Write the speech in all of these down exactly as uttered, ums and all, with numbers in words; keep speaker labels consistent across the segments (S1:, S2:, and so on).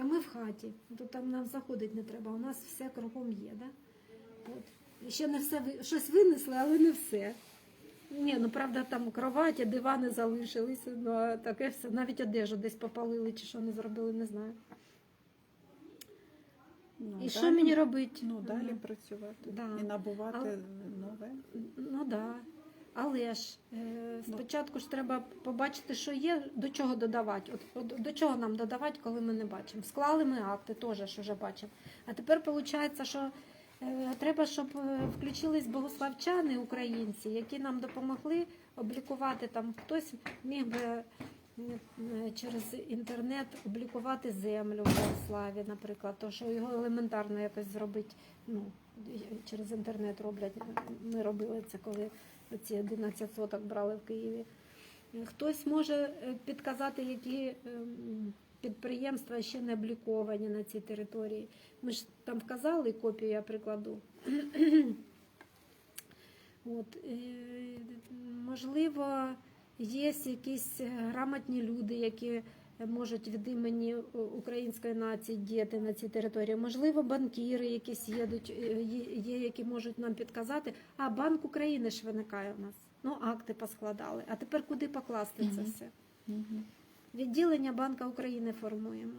S1: А ми в хаті, то там нам заходити не треба, у нас все кругом є, да? От. І ще не все, ви- щось винесли, але не все. Ні, ну правда, там кроваті, дивани залишилися, ну а таке все, навіть одежу десь попалили чи що не зробили, не знаю.
S2: Ну,
S1: І
S2: далі-
S1: що мені робити?
S2: Ну, далі
S1: Ага.
S2: працювати
S1: Да.
S2: і набувати
S1: Але-
S2: нове.
S1: Ну так. Да. Але ж е, спочатку ж треба побачити, що є, до чого додавати. От, от до чого нам додавати, коли ми не бачимо. Склали ми акти, теж ж вже бачимо. А тепер виходить, що е, треба, щоб е, включились богославчани, українці, які нам допомогли облікувати там. Хтось міг би е, через інтернет облікувати землю в Богославі, наприклад, то що його елементарно якось зробити. Ну, через інтернет роблять. Ми робили це, коли ці одинадцять соток брали в Києві. Хтось може підказати, які ем, підприємства ще не обліковані на цій території. Ми ж там вказали, копію я прикладу. От, е, можливо, є якісь грамотні люди, які можуть від імені української нації діяти на цій території. Можливо, банкіри якісь їдуть, є, є, які можуть нам підказати. А Банк України ж виникає у нас. Ну, акти поскладали. А тепер куди покласти це все? Відділення Банка України формуємо.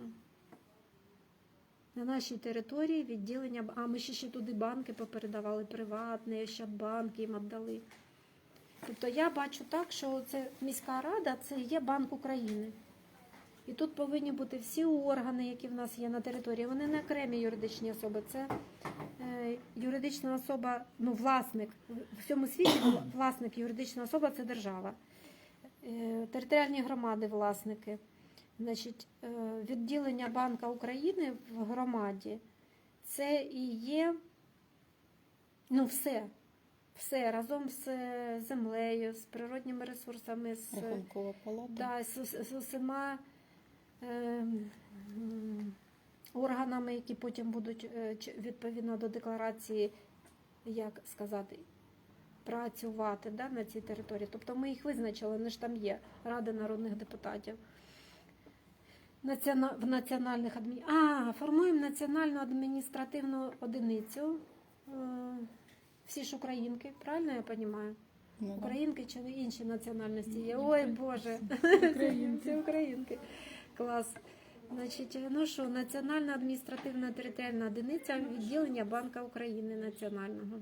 S1: На нашій території відділення, а ми ще, ще туди банки попередавали, приватні, Ощадбанки їм віддали. Тобто я бачу так, що це міська рада, це є Банк України. І тут повинні бути всі органи, які в нас є на території. Вони не окремі юридичні особи. Це е, юридична особа, ну, власник. В всьому світі власник юридична особа – це держава. Е, територіальні громади – власники. Значить, е, відділення Банка України в громаді – це і є, ну, все. Все разом з землею, з природніми ресурсами, з,
S2: Рахункова палата.
S1: да, з, з, з усіма е, органами, які потім будуть е, відповідно до декларації, як сказати, працювати, да, на цій території. Тобто ми їх визначили, вони ж там є, Рада народних депутатів. Націона... В національних адмі... А, формуємо національну адміністративну одиницю. Е, Всі ж українки, правильно я розумію?
S2: Ну,
S1: Українки чи інші національності є? Ой, Боже, всі українки. Клас. Значить, ну що, Національна адміністративна територіальна одиниця відділення Банка України національного.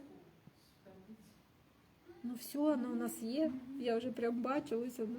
S1: Ну все, воно у нас є. Я вже прям бачу, ось воно.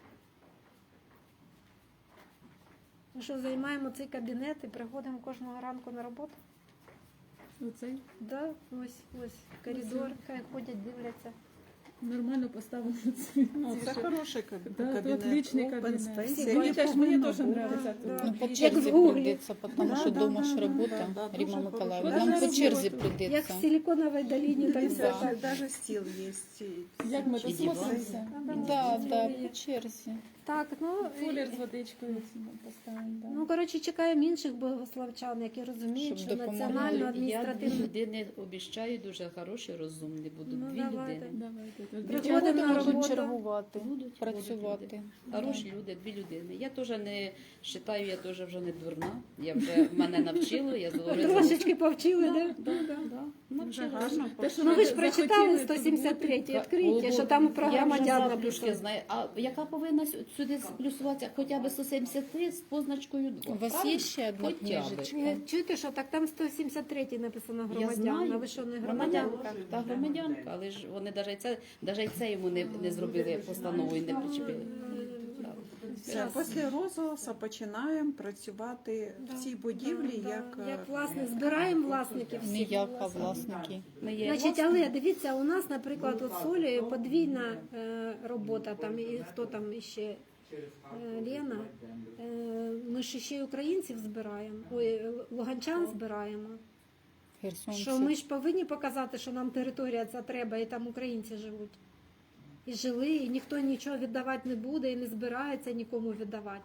S1: Ну що, займаємо цей кабінет і приходимо кожного ранку на роботу?
S3: Оцей
S1: Да, ось, ось, коридор, хай ходять, дивляться.
S3: нормально поставили цей.
S2: Ну, це хороший каб-
S3: Да,
S2: кабінет.
S3: це отличний
S2: Open
S3: кабінет.
S2: space.
S3: Мені
S2: Я
S3: теж,
S2: повинна
S3: мені теж
S2: була.
S3: подобається.
S1: Да.
S4: Ну, по
S1: Як
S4: черзі
S1: в Гуглі.
S4: прийдеться, тому
S2: Да,
S4: що
S2: да,
S4: дома
S2: да,
S4: ж
S2: да,
S4: робота,
S2: да, да,
S4: Ріма
S2: дуже
S4: Миколаївна.
S3: хорошо.
S4: Нам по черзі
S3: Роботу.
S1: Як в
S4: прийдеться.
S1: Силиконовій долині, там все
S4: Да.
S1: так.
S2: Даже стіл є.
S3: Як ми
S4: І
S3: тут
S4: диван.
S3: смотримося.
S4: Да, да, по черзі.
S1: Так, ну,
S3: Фулер з водичкою поставимо. Да.
S1: ну, коротше, чекаємо інших богославчан, які розуміють,
S4: Щоб
S1: що
S4: допомогли.
S1: національну
S5: Я дві
S1: адміністративну...
S5: людини обіцяю, дуже хороші, розумні будуть.
S1: Ну,
S5: Дві
S1: давайте.
S5: людини.
S3: Давайте.
S1: Приходимо на
S4: Можуть
S1: роботу.
S4: чергувати,
S5: Будуть
S4: працювати.
S5: будуть люди. Хороші люди, дві людини. Я теж не вважаю, я теж вже не дурна. Я вже мене навчило, я говорю.
S1: Трошечки повчили,
S5: Да,
S1: да?
S5: да, да, да.
S2: Вже
S5: Навчилася.
S2: гарно.
S3: Те, що
S1: Ну, ви ж
S3: захотіли,
S1: прочитали
S3: щоб
S1: сто сімдесят третій,
S3: бути.
S1: відкрийте, що там про
S5: Я вже
S1: громадян
S5: завтрашки
S1: написано.
S5: знаю. А яка повинна сю- сюди плюсуватися? Хоча б сто сімдесят три з позначкою два.
S4: У вас
S5: правильно?
S4: є ще одна
S5: Хоча б.
S4: книжечка?
S1: Е, Чуєте, що так там сто сімдесят третій написано
S5: Я
S1: громадян,
S5: знаю.
S1: а ви що, не громадянка?
S5: Громадянка, та громадянка, але ж вони навіть це, навіть це йому не, не зробили постанову і не причепили.
S2: Все, після розголосу починаємо працювати в цій будівлі,
S1: Да,
S2: як,
S1: як
S2: е,
S1: власне, збираємо власників всіх.
S4: Ніяк, а власники.
S5: Ми є
S1: Значить,
S5: власники.
S1: але дивіться, у нас, наприклад, от з Олею подвійна е, робота, там і хто там іще, е, Лена, е, ми ж ще й українців збираємо, ой, луганчан збираємо.
S4: Херсонці.
S1: Що ми ж повинні показати, що нам територія ця треба, і там українці живуть. І жили, і ніхто нічого віддавати не буде, і не збирається нікому віддавати.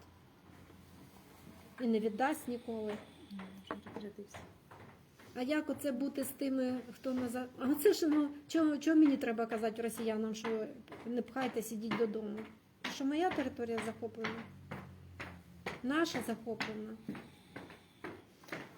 S1: І не віддасть ніколи. А як оце бути з тими, хто назад? А це ж, ну, чого, чого мені треба казати росіянам, що не пхайте, сидіть додому? Що моя територія захоплена? Наша захоплена.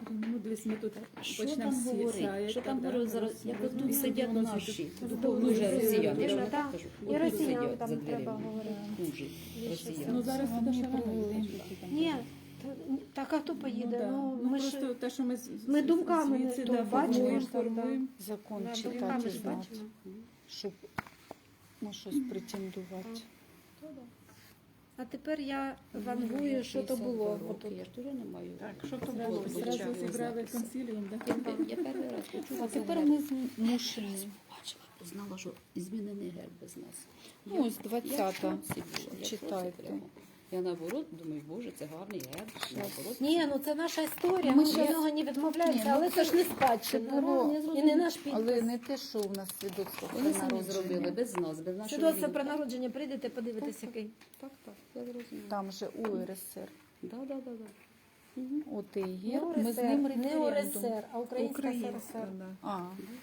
S3: Ну, десь ми тут
S5: Що
S3: почнемо
S5: там
S3: всі
S5: говорити?
S3: сяють,
S5: Що там
S3: так,
S5: говорити
S3: да,
S5: зараз?
S3: роз-
S5: Як
S3: роз-
S5: тут сидять
S3: роз-
S5: наші,
S3: роз-
S5: дуже
S3: роз-
S5: росіяни, я ж
S1: Вірно,
S5: вам
S1: так.
S5: так кажу.
S1: І
S5: Отут
S1: росіян
S5: сидять
S1: там
S5: за
S1: треба
S5: дверима.
S1: говорити.
S5: Хуже
S1: Більше
S5: росіян.
S3: Ну, зараз
S4: Вони
S3: це ще
S4: привели.
S3: рано.
S1: Ні, та- так а хто поїде?
S3: да.
S1: Ну,
S3: Ну,
S1: ми
S3: просто
S1: ж
S3: те, що ми, з-
S1: ми
S3: з-
S1: думками
S3: звідси,
S1: то
S3: да,
S1: бачимо,
S3: формуємо,
S1: що там, да.
S3: формуємо.
S4: Закон
S1: на
S4: читати
S1: думками
S4: і
S1: ж
S4: знати,
S1: бачимо.
S4: щоб на щось претендувати.
S1: А тепер я вангую, що то було.
S5: п'ятдесят
S1: Отут.
S5: Я ж теж не маю.
S2: Так, що то
S5: Зразу-
S2: було?
S5: зразу
S2: Зразу
S5: зібрали
S3: Зібрали консиліум, да?
S5: Я перший раз почула.
S4: А
S5: за
S4: тепер
S5: герб.
S4: ми змушені.
S5: Бачила, знала, що змінений герб без нас.
S4: Ну, ось
S5: Я в
S4: двадцята.
S5: шоці була, я в шоці
S4: Читайте.
S5: прямо. Я наоборот думаю, боже, це гарний герб. Наоборот,
S1: Ні, ну це наша історія,
S4: Ми
S1: ми
S4: ще-
S1: від нього не відмовляємося,
S4: Ні, ну
S1: але це ж не
S4: Це
S1: спадщина,
S4: було,
S1: ну, і не наш підпис.
S4: але не те, що у нас свідоцтво про
S5: вони самі
S4: народження.
S5: зробили без нас, без нашого
S1: Свідоцтво
S5: відома.
S1: про народження прийдете, подивитесь, який.
S5: Так, так, я зрозуміла.
S4: Там же УРСР.
S5: Да, да, да, да.
S4: От і
S1: Не
S4: герб, ми з
S1: УРСР,
S4: ним
S1: не
S4: референдум.
S1: УРСР, а Українська
S2: Українська,
S1: СРСР.
S2: да.
S4: А,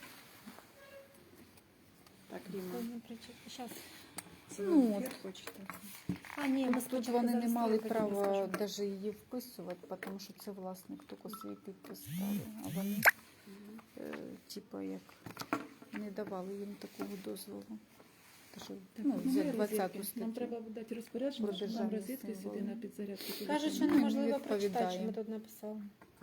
S2: Так, Ріма.
S1: Щас.
S2: Це
S4: Ну,
S2: ви
S4: от.
S2: хочете.
S1: А, ні, ми
S4: тут
S1: спочатку
S4: вони не мали
S1: зареєструємо, потім
S4: права
S1: розкажемо.
S4: навіть її вписувати, тому що це власник тільки свій підпис ставив. А вони, е, типа, як не давали їм такого дозволу. Тож, ну,
S3: Так,
S4: за
S3: немає
S4: двадцяту
S3: розетки. Нам
S4: статтю.
S3: треба дати розпорядження,
S4: Про
S3: щоб нам
S4: державні
S3: розетки
S4: символи.
S3: сюди на підзарядку. туди
S1: Кажуть, що
S3: сюди.
S4: не
S1: неможливо
S4: відповідає.
S1: прочитати, що ми тут написали.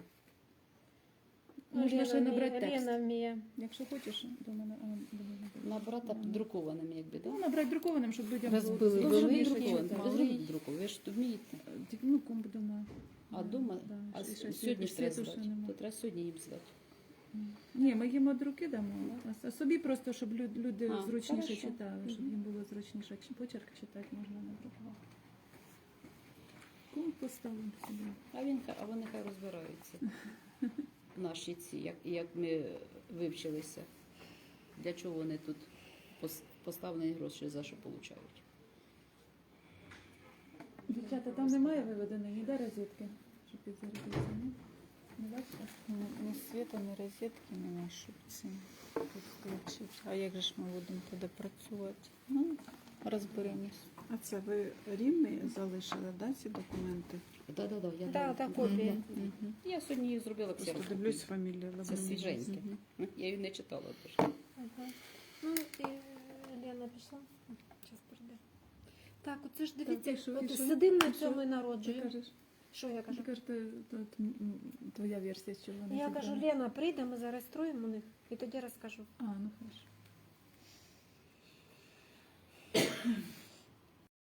S3: Можна ще
S1: Лена
S3: набрати
S1: вміє-
S3: текст.
S1: Лена вміє.
S3: Якщо хочеш, до мене. А, до мене.
S5: На брата друкованим, якби, да?
S3: Ну, набрати друкованим, щоб людям
S4: Розбили
S3: було
S5: Ну,
S4: великий,
S5: зробіть
S3: зручніше
S5: друкованим.
S3: читати.
S5: Ви зробіть друкованим, ви ж вмієте.
S3: Тільки, Ну, комп дома.
S5: А дома,
S3: Да,
S5: а
S3: ще- ще
S5: сьогодні ж треба
S3: світу ще
S5: звати.
S3: нема.
S5: То треба сьогодні їм звати.
S3: Ні, ми їм від руки дамо, а- а собі просто, щоб лю- люди
S5: А,
S3: зручніше
S5: хорошо.
S3: читали, щоб їм було зручніше. Чи почерк читати можна надрукувати. Комп поставимо собі.
S5: А він хай- а вони хай розбираються. Наші ці, як, як ми вивчилися. Для чого вони тут пос- поставлені гроші за що получають.
S3: Дівчата, там немає виведеної ніде розетки, щоб підзарядитися, ні? Не бачите?
S4: Ні, ні світа, ні розетки нема, щоб це тут включити. А як же ж ми будемо тоді працювати? Ну, розберемось.
S2: А це ви рівний залишили, да, ці документи?
S5: Да, да, да, я
S1: Да,
S5: дам.
S1: так, копії.
S4: Мгм.
S5: Я сьогодні її зробила
S2: Просто
S5: ксерокопію.
S2: дивлюсь фамілію.
S5: Це свіженьке. Я її не читала теж.
S1: Ага. Ну, і Лена пішла. Зараз прийде. Так, оце ж дивіться,
S3: Так, і що, і
S1: от
S3: що?
S1: сидимо на
S3: І
S1: цьому
S3: що?
S1: і
S3: Ти
S1: народжуємо.
S3: кажеш,
S1: Що я кажу?
S3: ти кажеш, то- то- то, м, твоя версія, що вони
S1: Я
S3: зібрали.
S1: кажу, Лена, прийде, ми зареєструємо у них і тоді розкажу.
S3: А, ну хорошо.